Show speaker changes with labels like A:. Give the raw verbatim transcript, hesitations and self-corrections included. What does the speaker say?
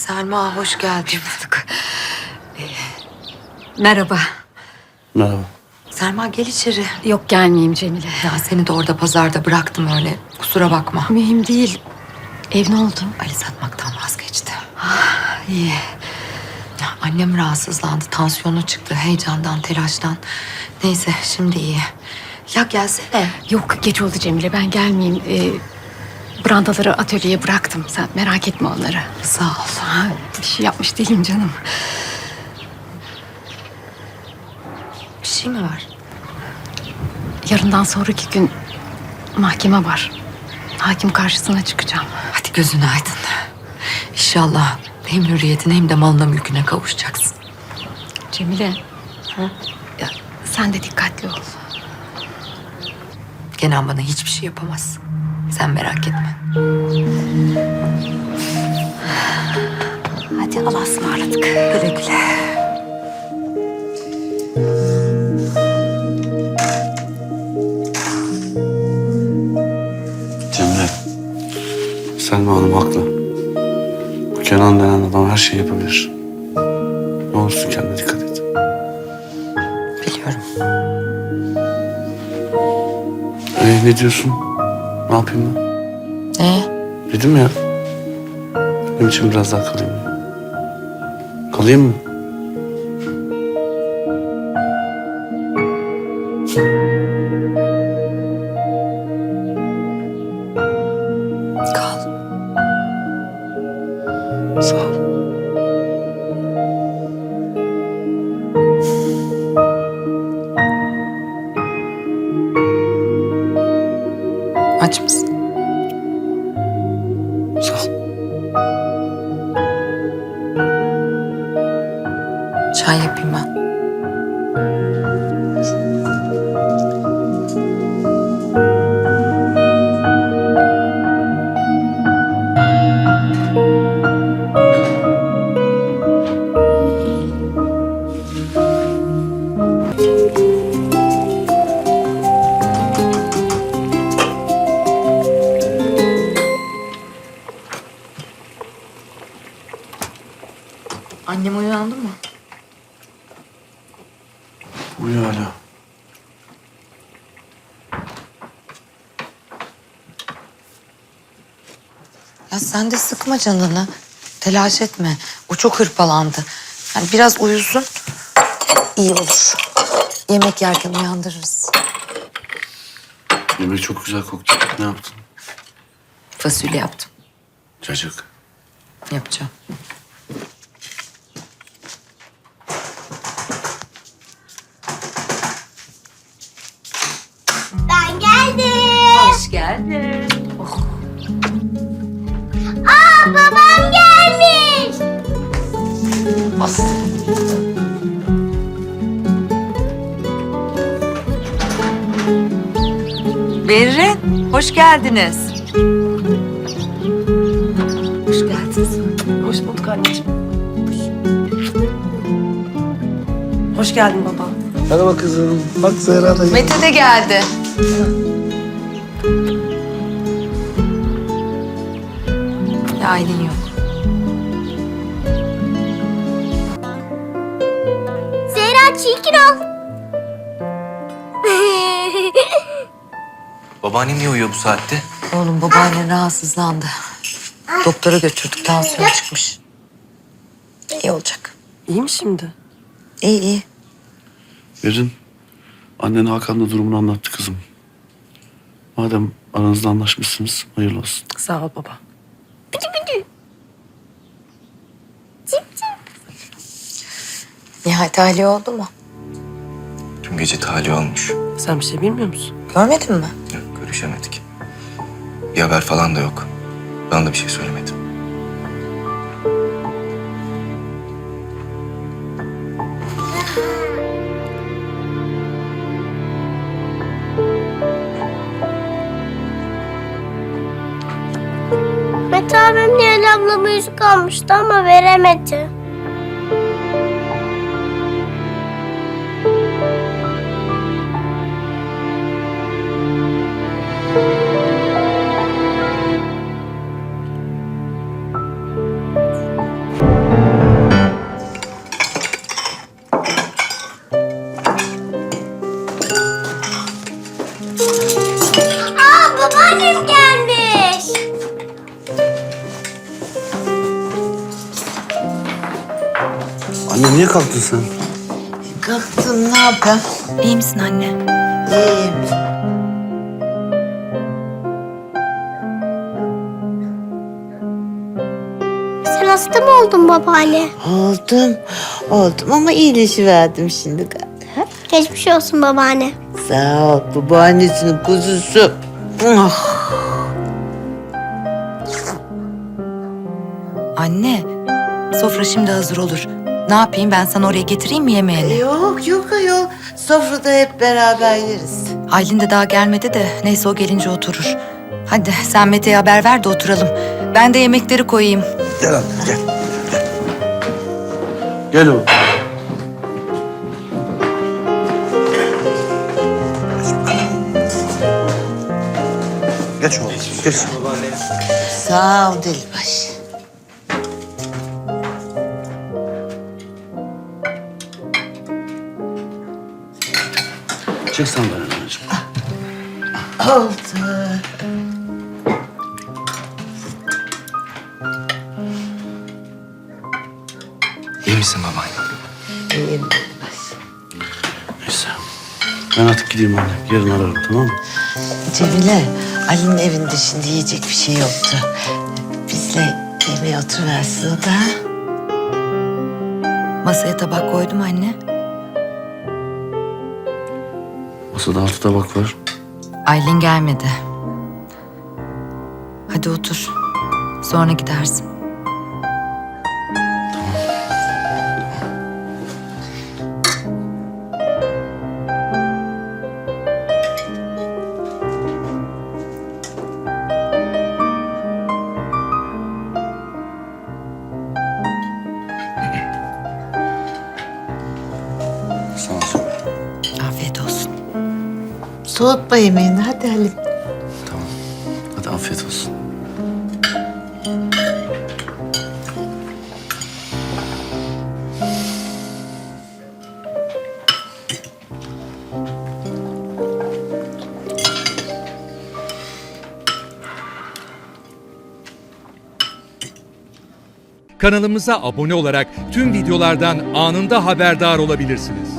A: Selma hoş geldin.
B: Ee, merhaba.
C: Merhaba.
A: Selma gel içeri.
B: Yok gelmeyeyim Cemile.
A: Ya seni de orada pazarda bıraktım öyle. Kusura bakma.
B: Mühim değil. Ev ne oldu?
A: Ali satmaktan vazgeçti.
B: İyi.
A: Ya annem rahatsızlandı. Tansiyonu çıktı heyecandan, telaştan. Neyse şimdi iyi. Ya gelsene.
B: Yok geç oldu Cemile ben gelmeyeyim. Ee, brandaları atölyeye bıraktım. Sen merak etme onları.
A: Sağ ol.
B: Ha, bir şey yapmış değilim canım.
A: Bir şey mi var?
B: Yarından sonraki gün mahkeme var. Hakim karşısına çıkacağım.
A: Hadi gözün aydın. İnşallah hem hürriyetine hem de malına mülküne kavuşacaksın.
B: Cemile. Ya, sen de dikkatli ol.
A: Kenan bana hiçbir şey yapamaz. Sen merak etme.
B: Hadi Allah'a ısmarladık.
A: Güle güle.
C: Cemre. Selma Hanım haklı. Bu Kenan denen adam her şeyi yapabilir. Ne olursun kendine dikkat et.
A: Biliyorum.
C: Ee, ne diyorsun? Ne yapayım ben?
A: Ne?
C: Dedim ya. Benim için biraz daha kalayım. Kalayım mı?
A: Kal.
C: Sağ ol.
A: Aç mısın?
C: Sağ ol.
A: Çay yapayım ben. Annem uyandı mı?
C: Uyuyor hala.
A: Ya sen de sıkma canını. Telaş etme. O çok hırpalandı. Yani biraz uyusun. İyi olur. Yemek yerken uyandırırız.
C: Yemek çok güzel koktu. Ne yaptın?
A: Fasulye yaptım.
C: Cacık.
A: Yapacağım.
D: Ben geldim.
A: Hoş geldin. Oh.
D: Aa, babam gelmiş.
A: Bas. Berrin, hoş geldiniz. Hoş geldiniz.
E: Hoş bulduk anneciğim. Hoş geldin baba.
F: Merhaba kızım. Bak Zehra da
A: Mete de geldi. Ya Aylin yok.
D: Zehra çirkin ol.
G: Babaannem niye uyuyor bu saatte?
A: Oğlum babaannen rahatsızlandı. Doktora götürdük, tansiyon çıkmış. İyi olacak.
E: İyi mi şimdi?
A: İyi iyi.
C: Berin, annen Hakan'la durumunu anlattı kızım. Madem aranızda anlaşmışsınız, hayırlı olsun.
E: Sağ ol baba.
A: Nihayet tahliye oldu mu?
G: Dün gece tahliye olmuş.
E: Sen bir şey bilmiyor musun?
A: Görmedin mi?
G: Yok, görüşemedik. Bir haber falan da yok. Bana da bir şey söylemedi.
D: Mete abim Nihal ablama yüzük almıştı ama veremedi. Babaannem gelmiş.
C: Anne niye kalktın sen?
A: Kalktım, ne yapayım?
B: İyi misin anne?
A: İyiyim.
D: Sen hasta mı oldun babaanne?
H: Oldum, oldum ama iyileşiverdim şimdi galiba.
D: Geçmiş olsun babaanne.
H: Sağ ol, babaannesinin kuzusu. Ah.
A: Anne, sofra şimdi hazır olur. Ne yapayım, ben sana oraya getireyim mi yemeğini?
H: Yok yok ayol, sofrada hep beraber yeriz.
A: Aylin de daha gelmedi de neyse o gelince oturur. Hadi sen Mete'ye haber ver de oturalım. Ben de yemekleri koyayım.
C: Gel anne gel. Gel, gel oğlum. Geç oğlum, geç.
H: Sağ ol Delibaş.
C: Çek sandalyenin anneciğim.
H: Oldu.
G: İyi misin babaanne?
H: İyiyim Delibaş.
C: Neyse. Ben artık gideyim anne. Yarın ararım, tamam mı?
H: Cemile, Ali'nin evinde şimdi yiyecek bir şey yoktu. Bizle yemeğe oturuversin o da.
A: Masaya tabak koydum anne.
C: Masada altı tabak var.
A: Aylin gelmedi. Hadi otur. Sonra gidersin.
C: Sağ ol canım.
A: Afiyet olsun.
H: Soğutma yemeğini, hadi Halim.
C: Tamam. Hadi afiyet olsun.
I: Kanalımıza abone olarak tüm videolardan anında haberdar olabilirsiniz.